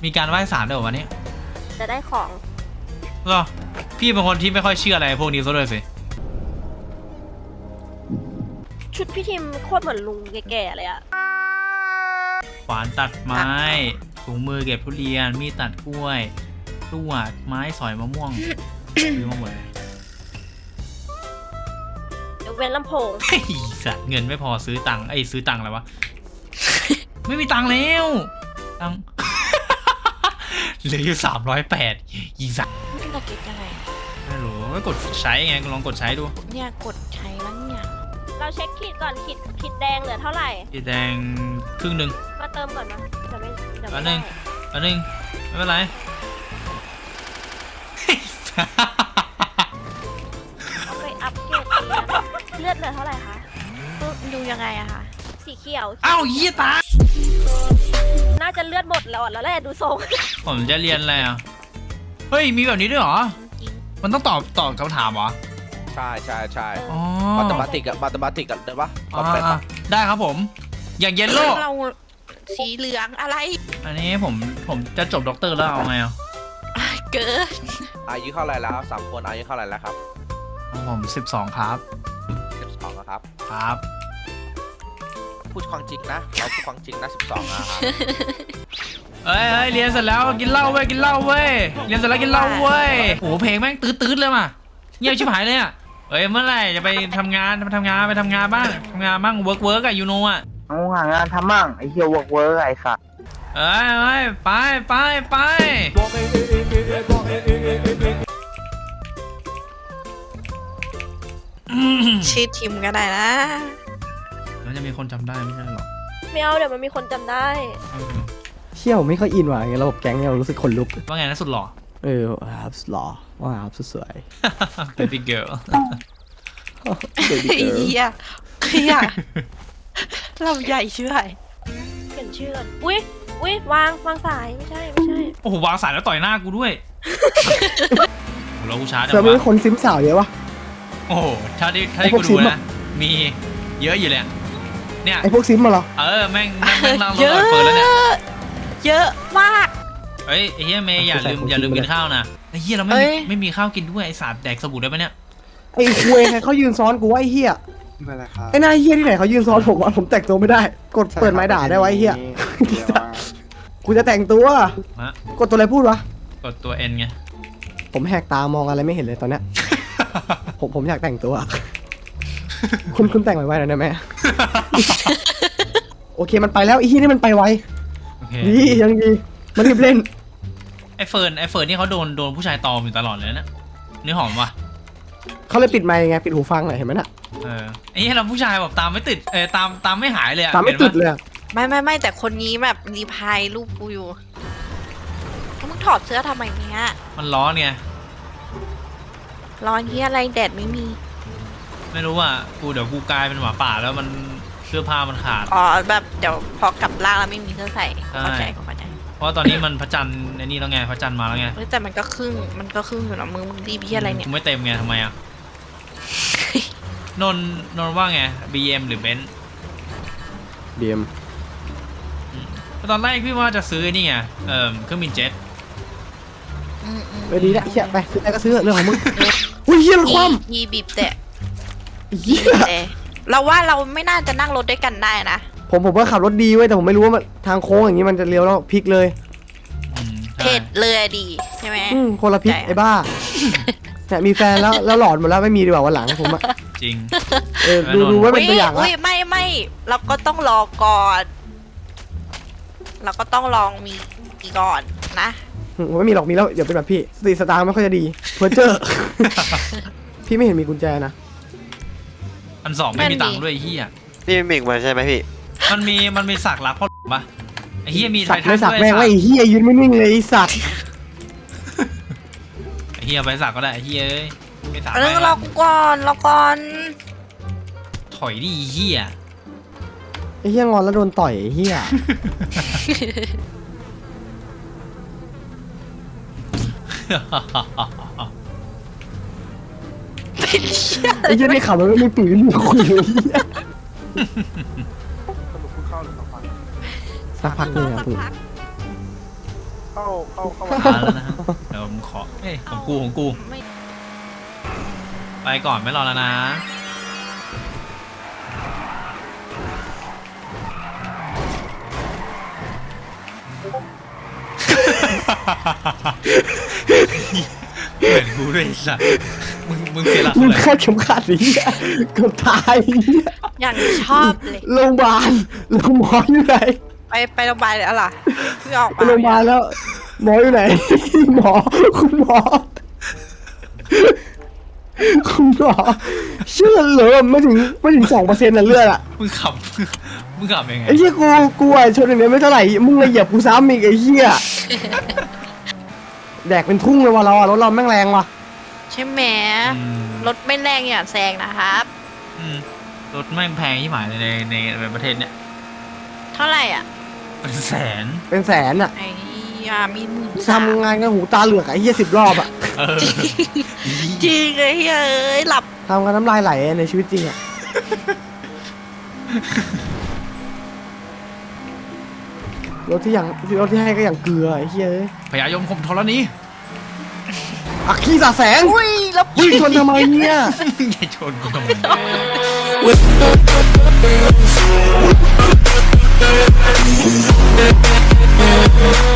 มีการไหว้ศาลด้วยวันนี้จะได้ของก็พี่เป็นคนที่ไม่ค่อยเชื่ออะไรพวกนี้ซะด้วยสิชุดพี่ทีมโคตรเหมือนลุงแก่ๆเลยอะขวานตัดไม้ถุงมือเก็บทุเรียนมีดตัดกล้วยลวดไม้สอยมะม่วงซื้อมาหมดเลยยกเว้นลำโพงสัตว์เงินไม่พอซื้อตังค์ซื้อตังค์อะไรวะ ไม่มีตังค์แล้วตังค์ เหลืออยู่308อีสัตว์ตะเก็บยังไงไม่รู้ไม่กดใช้ไงลองกดใช้ดูเนี่ยกดใช้แล้วเนี่ยเราเช็คขีดก่อนขีดแดงเหลือเท่าไหร่ขีดแดงครึ่งหนึ่งมาเติมก่อนนะจะไม่อันหนึ่งไม่เป็นไรเอาไปอัพเกรดเลือดเหลือเท่าไหร่คะดูยังไงอะคะสีเขียวอ้าวยี่ตาน่าจะเลือดหมดแล้วแล้วแหละดูทรงผมจะเรียนอะไรอ่ะเฮ้ยมีแบบนี้ด้วยเหรอมันต้องตอบคำถามเหรอใช่อ๋อมาตมาติกอะได้ปะได้ครับผมอย่างเยลโล่เราสีเหลืองอะไรอันนี้ผมจะจบด็อกเตอร์แล้วเอาไงอ่ะเกินอายุเท่าไรแล้วครับ3 คนอายุเท่าไรแล้วครับผม12ครับ 12ครับครับพูดความจริงนะเราพูดความจริงนะ12นะครับเฮ้ยเรียนเสร็จแล้วกินเหล้าเว้ยเรียนเสร็จแล้วกินเหล้าเว้ยโอ้โหเพลงแม่งตื้อเลยมาเงียบชิบหายเลยอ่ะเฮ้ยเมื่อไหร่จะไปทำงานบ้างทำงานบ้างเวิร์กอะยูโน่อะเอาหางานทำมั่งไอ้เหี้ยเวิร์กไอ้สัสเอ้ยไปชื่อทีมก็ได้นะแล้วจะมีคนจำได้ไม่ใช่หรอไม่เอาเดี๋ยวมันมีคนจำได้เชี่ยวไม่ค่อยอินว่ะไงระบบแก๊งเนี่ยรู้สึกขนลุกว่าไงนะสุดหล่อครับหล่อว่าครับสวย baby girl เฮียเราใหญ่ชื่ออะไรเปลี่ยนชื่ออุ้ยวางสายไม่ใช่โอ้โหวางสายแล้วต่อยหน้ากูด้วยเรากูช้าจังวะมีคนซิมสาวเยอะวะโอ้โหถ้าได้กูดูนะมีเยอะอยู่เลยเนี่ยไอพวกซิมมาเหรอแม่งนั่งรถเปิดแล้วเนี่ยเยอะมากเฮ้ยไอ้เฮียเมย์อย่าลืมกินข้าวนะไอ้เฮียเราไม่มีข้าวกินด้วยไอ้สาดแดกสบู่ได้ปะเนี่ยไอ้คุยใครเขายืนซ้อนกูว่าไอ้เฮียไอ้นายเฮียที่ไหนเขายืนซ้อนผมแต่งตัวไม่ได้กดเปิดไม้ด่าได้ไว้เฮียกูจะแต่งตัวกดตัวอะไรพูดวะกดตัวเอ็นไงผมแหกตามองอะไรไม่เห็นเลยตอนเนี้ยผมอยากแต่งตัวคุณแต่งไว้หน่อยได้ไหมโอเคมันไปแล้วไอ้ที่นี่มันไปไวดียังดีมันรีบเล่นไอ้เฟิร์นนี่เขาโดนผู้ชายตอมอยู่ตลอดเลยนะนี่หอมวะเขาเลยปิดไมค์ไงปิดหูฟังหน่อยเห็นไหมน่ะไอ้ที่เราผู้ชายแบบตามไม่ติดตามไม่หายเลยตามไม่ติดเลยไม่แต่คนนี้แบบรีพายรูปกูอยู่มึงถอดเสื้อทำไมเนี้ยมันร้อนไงร้อนที่อะไรแดดไม่มีไม่รู้อ่ะเดี๋ยวกูกลายเป็นหมาป่าแล้วมันเสื้อผ้ามันขาดแบบเดี๋ยวพอกลับล่างแล้วไม่มีเสื้อใส่เข้าใจเพราะตอนนี้มันพระจันทร์ในนี่แล้วไงพระจันทร์มาแล้วไงแต่มันก็ครึ่งอยู่นะมึงรีบพี่อะไรเนี่ยกูไม่เต็มไงทำไมอ่ะนนว่าไง BM หรือเบนซ์ BM ตอนแรกพี่ว่าจะซื้อนี่ไงเครื่องบินเจ็ตไปดีนะเชี่ยไปซื้ออะไรก็ซื้อเรื่องของมึงอุ้ยเฮียมันคว่ำบีบแต่เราว่าเราไม่น่าจะนั่งรถด้วยกันได้นะผมว่าขับรถดีเว้ยแต่ผมไม่รู้ว่าทางโค้งอย่างนี้มันจะเลี้ยวแล้วพลิกเลยเผ็ดเลยดีใช่ไหมคนละพลิกไอ้บ้าแต่มีแฟนแล้วหลอนหมดแล้วไม่มีดีกว่าวันหลังผมอะจริงดูไว้เป็นตัวอย่างละไม่เราก็ต้องรอก่อนเราก็ต้องลองมีก่อนนะไม่มีหรอกมีแล้วเดี๋ยวเป็นแบบพี่สติสตางค์ไม่ค่อยจะดีเพอเจอพี่ไม่เห็นมีกุญแจนะอัน 2ไม่มีตังค์ด้วยเฮียนี่มิกมาใช่ไหมพี่มันมีสักรักพ่อปะไอ้เฮียมีไททันด้วยสักแม่งไอ้เฮียยืนไม่นิ่งเลยไอ้สัตว์ไอ้เฮียไปสักก็ได้ไอ้เฮียไม่สักรอก่อนถอยดิเฮียไอ้เฮียงอนแล้วโดนต่อยไอ้เฮียไอ้เหี้ยนี่ขับรถไม่มีปืนคุยเลยสักพักเลยอ่ะปืนเข้ามาแล้วนะเดี๋ยวผมขอเอ้ยของกูไม่ไปก่อนไม่รอแล้วนะเหมือนกูด้วยไอ้สัสมึงเสียหลักมึงเลยคาดเข็มขัดไอ้เหี้ยเกือบตายไอ้เหี้ยอย่างชอบเลยโรงพยาบาลโรงพยาบาลอยู่ไหนไปโรงพยาบาลแล้วเหรอเพิ่งออกไปมาโรงพยาบาลแล้ว หมออยู่ไหน หมอคุณหมอคุณหมอเชื่อเหรอไม่ถึง2%นะเลือดอะมึงขับมึงขับยังไงไอ้เหี้ยกูไอ้ชนอย่างเนี้ยไม่เท่าไหร่มึงเลยเหยียบกูซ้ำอีกไอ้เหี้ยแดกเป็นทุ่งเลยว่ะเราอะรถเราแม่งแรงว่ะใช่ไหมอืมรถไม่แรงอย่าแซงนะครับอืมรถแม่งแพงที่หมายเลยในประเทศเนี้ยเท่าไหร่อ่ะเป็นแสนเป็นแสนอะไอ้ยามีหมื่นทำงานกันหูตาเหลือกไอ้เหี้ย10 รอบอะเออจริงไอ้เฮ้ยหลับทำกันน้ำลายไหลในชีวิตจริงอะรถที่ให้ก็อย่างเกลือไอ้เหี้ยเอ้ยพยายมคมธรณีอักขี้สาแสงอุ้ยแล้ววิ่งชนทำไมเนี่ยอย่าชนกูทำไม